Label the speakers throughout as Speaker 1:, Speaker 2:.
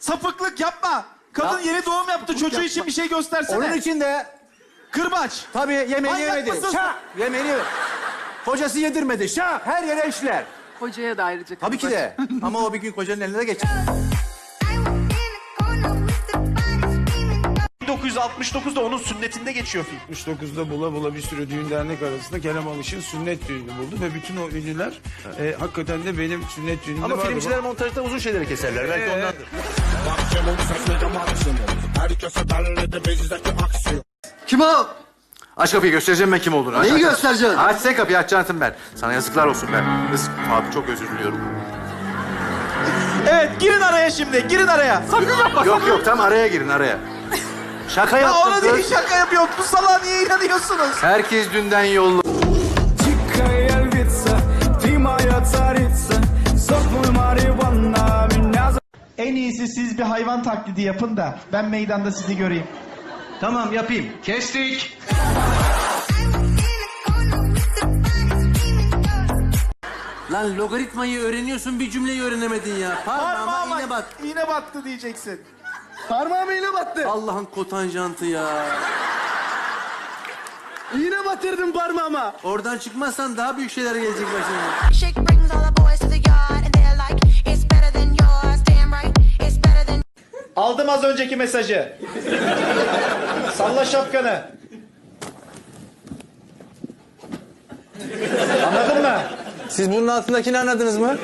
Speaker 1: Sapıklık yapma. Kadın yeni doğum yaptı. Çocuğu için bir şey göstersene.
Speaker 2: Onun için de
Speaker 1: Kırbaç.
Speaker 2: tabii yemeğini
Speaker 1: Manyak
Speaker 2: yemedi.
Speaker 1: mısın?
Speaker 2: Şah! Yemeğini yemedi. Kocası yedirmedi. Şah! Her yere işler.
Speaker 3: Hocaya da ayrıca
Speaker 2: Tabii ki de. Ama o bir gün kocanın eline de geçer.
Speaker 1: 1969'da onun sünnetinde geçiyor film.
Speaker 4: 69'da bula bula bir sürü düğün dernek arasında Kerem Alış'ın sünnet düğünü buldu ve bütün o ünlüler hakikaten de benim sünnet düğünümde
Speaker 2: Ama
Speaker 4: vardı.
Speaker 2: filmciler montajda uzun şeyleri keserler. Belki ondandır.
Speaker 5: Kim o?
Speaker 2: Aç kapıyı, göstereceğim ben kim olduğunu. Aç,
Speaker 5: Neyi
Speaker 2: aç, aç.
Speaker 5: göstereceksin?
Speaker 2: Aç sen kapıyı, açacaksın ben. Sana yazıklar olsun ben. Kız abi çok özür diliyorum.
Speaker 1: Evet, girin araya şimdi. Girin araya. Sakın yapma.
Speaker 2: Yok yok, tam araya girin araya. Şaka
Speaker 1: Ya
Speaker 2: yaptım
Speaker 1: ona
Speaker 2: kız.
Speaker 1: değil, şaka yapıyor. Bu salağa niye inanıyorsunuz?
Speaker 2: Herkes dünden yollu.
Speaker 1: En iyisi siz bir hayvan taklidi yapın da ben meydanda sizi göreyim.
Speaker 2: Tamam yapayım. Kestik. Lan logaritmayı öğreniyorsun, bir cümleyi öğrenemedin ya. Parmağıma iğne bat.
Speaker 1: İğne battı diyeceksin.
Speaker 5: Parmağıma iğne battı.
Speaker 2: Allah'ın kotanjantı ya.
Speaker 5: İğne batırdım parmağıma.
Speaker 2: Oradan çıkmazsan daha büyük şeyler gelecek başına.
Speaker 6: Shake brings all the boys to the yard and they're like, it's better than yours. Damn right, it's better than.
Speaker 1: Aldım az önceki mesajı. Salla şapkanı. Anladın mı?
Speaker 2: Siz bunun altındakini anladınız mı?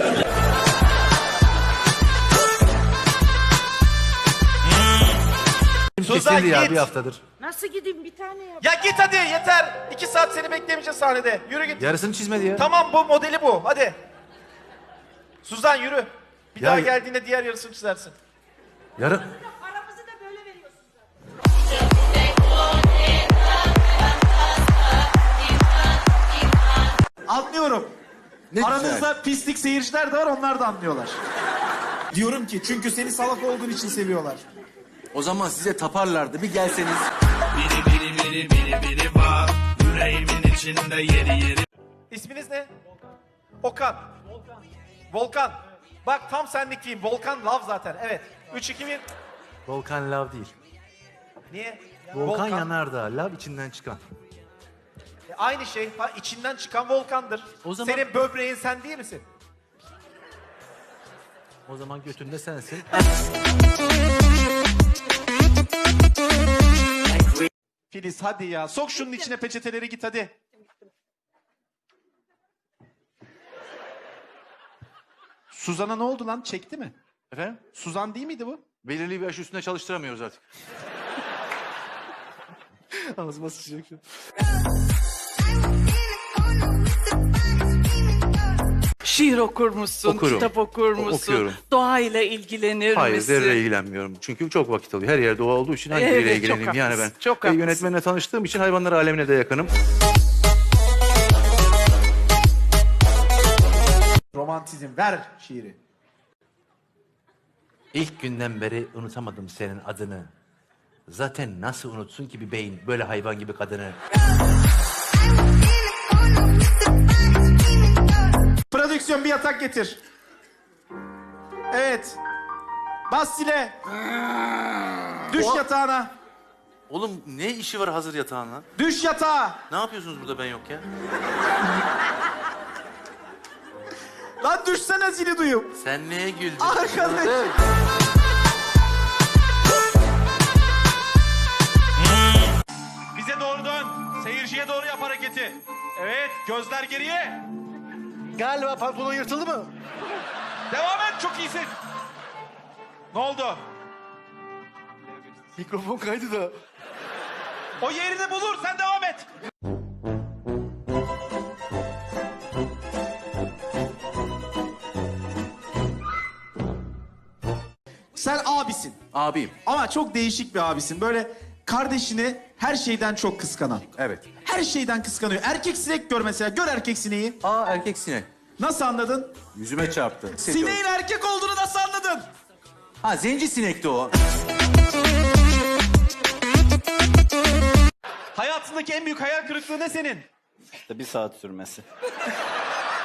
Speaker 1: Suzan
Speaker 2: Kesildi ya
Speaker 1: git.
Speaker 2: bir haftadır.
Speaker 3: Nasıl gideyim bir tane yap.
Speaker 1: Ya git hadi yeter. 2 saat seni beklemeyeceğiz sahnede. Yürü git.
Speaker 2: Yarısını çizmedi ya.
Speaker 1: Tamam bu modeli bu. Hadi. Suzan yürü. Bir
Speaker 2: Ya-
Speaker 1: daha geldiğinde diğer yarısını çizersin.
Speaker 2: Yarın...
Speaker 3: Paramızı da böyle veriyorsun.
Speaker 1: Anlıyorum.
Speaker 2: Ne
Speaker 1: Aranızda pislik seyirciler de var, onlar da anlıyorlar. Diyorum ki çünkü seni salak olduğun için seviyorlar.
Speaker 2: O zaman size taparlardı, bir gelseniz.
Speaker 1: İsminiz ne? Okan. Volkan. Bak tam senlik diyeyim. Volkan Love zaten. Evet. 3, 2, 1.
Speaker 2: Volkan lav değil.
Speaker 1: Niye?
Speaker 2: Volkan yanardağ, lav içinden çıkan.
Speaker 1: Aynı şey. Ha, içinden çıkan volkandır.
Speaker 2: O zaman-
Speaker 1: Senin böbreğin sen değil misin?
Speaker 2: O zaman götünde sensin.
Speaker 1: Filiz hadi ya. Sok şunun içine peçeteleri, git hadi. Suzan'a ne oldu lan? Çekti mi?
Speaker 2: Efendim?
Speaker 1: Suzan değil miydi bu?
Speaker 2: Belirli bir yaş üstünde çalıştıramıyoruz artık. Ağzıma sıçacak şu.
Speaker 3: Şiir okur musun?
Speaker 2: Okurum.
Speaker 3: Kitap okur musun?
Speaker 2: Okuyorum.
Speaker 3: Doğayla ilgilenir
Speaker 2: Hayır,
Speaker 3: misin?
Speaker 2: zerre ilgilenmiyorum. Çünkü çok vakit alıyor. Her yerde doğa olduğu için hangi
Speaker 3: Evet,
Speaker 2: biriyle
Speaker 3: çok
Speaker 2: ilgileneyim yani ben.
Speaker 3: haklısın, çok haklısın.
Speaker 2: Yönetmenle tanıştığım için hayvanlar alemine de yakınım.
Speaker 1: Romantizm. Ver şiiri.
Speaker 2: İlk günden beri unutamadım senin adını. Zaten nasıl unutsun ki bir beyin böyle hayvan gibi kadını?
Speaker 1: Prodüksiyon bir yatak getir. Evet. Bas zile. Düş yatağına.
Speaker 2: Oğlum ne işi var hazır yatağınla?
Speaker 1: Düş yatağa.
Speaker 2: Ne yapıyorsunuz burada ben yokken?
Speaker 1: Lan düşsene, zili duyup.
Speaker 2: Sen neye güldün?
Speaker 1: Arkadaş. Bize doğru dön. Seyirciye doğru yap hareketi. Evet, gözler geriye.
Speaker 2: Galiba pantolon yırtıldı mı?
Speaker 1: Devam et, çok iyisin. Ne oldu?
Speaker 2: Mikrofon kaydı da.
Speaker 1: O yerini bulur, sen devam et. Sen abisin.
Speaker 2: Abiyim.
Speaker 1: Ama çok değişik bir abisin. Böyle kardeşini her şeyden çok kıskanan.
Speaker 2: Evet.
Speaker 1: Her şeyden kıskanıyor. Erkek sinek gör mesela. Gör erkek sineği.
Speaker 2: Aa erkek sinek.
Speaker 1: Nasıl anladın?
Speaker 2: Yüzüme çarptı.
Speaker 1: Sineğin erkek olduğunu nasıl anladın?
Speaker 2: Ha zenci sinekti o.
Speaker 1: Hayatındaki en büyük hayal kırıklığı ne senin?
Speaker 5: Bir saat sürmesi.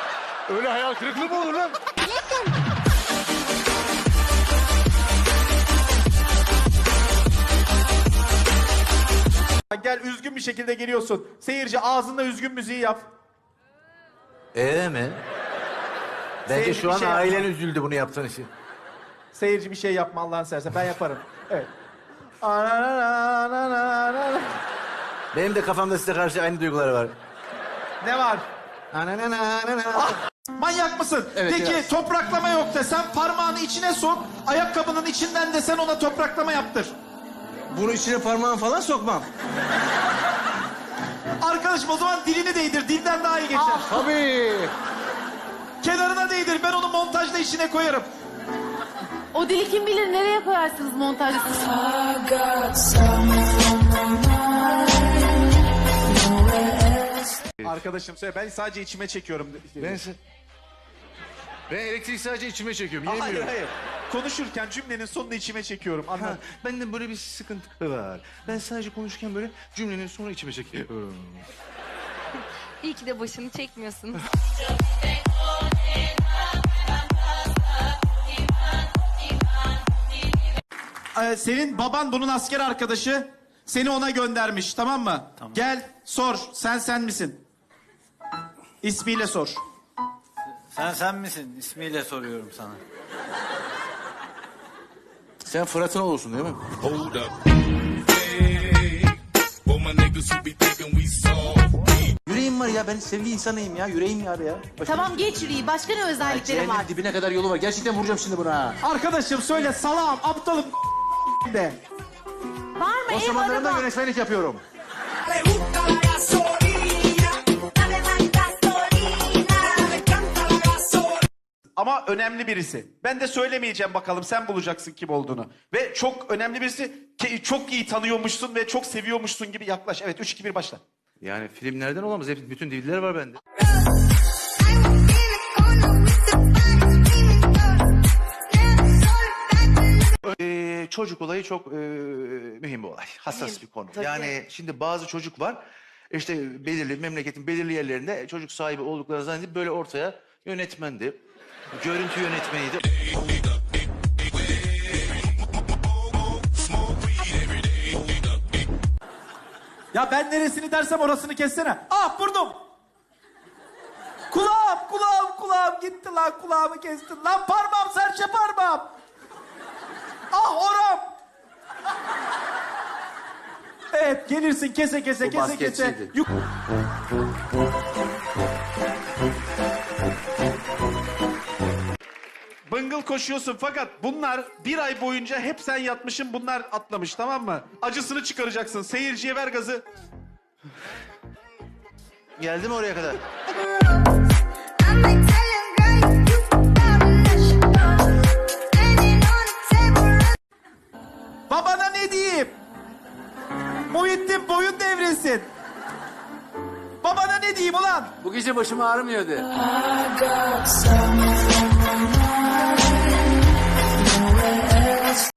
Speaker 2: Öyle hayal kırıklığı mı olur lan?
Speaker 1: Gel üzgün bir şekilde geliyorsun. Seyirci ağzında üzgün müziği yap.
Speaker 2: Mi? Bence
Speaker 1: Seyirci
Speaker 2: şu
Speaker 1: bir
Speaker 2: an
Speaker 1: şey
Speaker 2: ailen
Speaker 1: yapma.
Speaker 2: üzüldü bunu yaptığın için.
Speaker 1: Seyirci bir şey yapma Allah'ını seversen. Ben yaparım. Evet.
Speaker 2: Benim de kafamda size karşı aynı duygular var.
Speaker 1: Ne var? Manyak mısın?
Speaker 2: Evet,
Speaker 1: De ki
Speaker 2: biraz.
Speaker 1: topraklama yok desen parmağını içine sok. Ayakkabının içinden desen ona topraklama yaptır.
Speaker 4: Bunu içine parmağını falan sokmam.
Speaker 1: Arkadaşım o zaman dilini değdir. Dilden daha iyi geçer.
Speaker 4: Tabii.
Speaker 1: Kenarına değdir. Ben onu montajda içine koyarım.
Speaker 7: O dili kim bilir nereye koyarsınız montajda?
Speaker 1: Arkadaşım söyle ben sadece içime çekiyorum.
Speaker 2: Ben elektrik sadece içime çekiyorum.
Speaker 1: Hayır hayır. Konuşurken cümlenin sonunu içime çekiyorum. Anladın?
Speaker 2: Bende böyle bir sıkıntı var. Ben sadece konuşurken böyle cümlenin sonunu içime çekiyorum.
Speaker 8: İyi ki de başını çekmiyorsun.
Speaker 1: Senin baban bunun asker arkadaşı. Seni ona göndermiş tamam mı? Tamam. Gel sor. Sen misin? İsmiyle sor.
Speaker 5: Sen misin? İsmiyle soruyorum sana.
Speaker 2: Sen Fırat'ın olursun değil mi?
Speaker 9: Hold up. Hey, for my niggas who be thinking we soft.
Speaker 2: Yüreğim var ya, ben sevgi insanıyım ya. Yüreğim var ya.
Speaker 7: Tamam geç yürüyü. Başka ne özellikleri var?
Speaker 2: Cehennemin dibine kadar yolu var. Gerçekten vuracağım şimdi buna.
Speaker 1: Arkadaşım söyle salam aptalım de.
Speaker 7: Var mı
Speaker 2: O
Speaker 7: ev
Speaker 2: zamanlarında
Speaker 7: araba?
Speaker 2: yönetmenlik yapıyorum.
Speaker 1: Ama önemli birisi. Ben de söylemeyeceğim bakalım sen bulacaksın kim olduğunu. Ve çok önemli birisi çok iyi tanıyormuşsun ve çok seviyormuşsun gibi yaklaş. Evet 3 2 1 başla.
Speaker 2: Yani filmlerden olamaz. Hep bütün DVD'ler var bende. Çocuk olayı çok mühim bir olay. Hassas bir konu. Yani şimdi bazı çocuk var. İşte belirli memleketin belirli yerlerinde çocuk sahibi oldukları zannedip böyle ortaya yönetmendi. Görüntü yönetmeniydi.
Speaker 1: Ya ben neresini dersem orasını kessene. Ah burnum. Kulağım gitti lan kulağımı kestin. Lan parmağım serçe parmağım. Ah oram. Evet gelirsin kese kese
Speaker 2: Bu
Speaker 1: kese kese.
Speaker 2: basketçiydi.
Speaker 1: Bıngıl koşuyorsun fakat bunlar bir ay boyunca hep sen yatmışsın bunlar atlamış tamam mı? Acısını çıkaracaksın seyirciye ver gazı.
Speaker 2: Geldi mi oraya kadar?
Speaker 1: Babana ne diyeyim? Muhittin boyun devresin. Babana ne diyeyim ulan?
Speaker 2: Bu gece başım ağrımıyordu.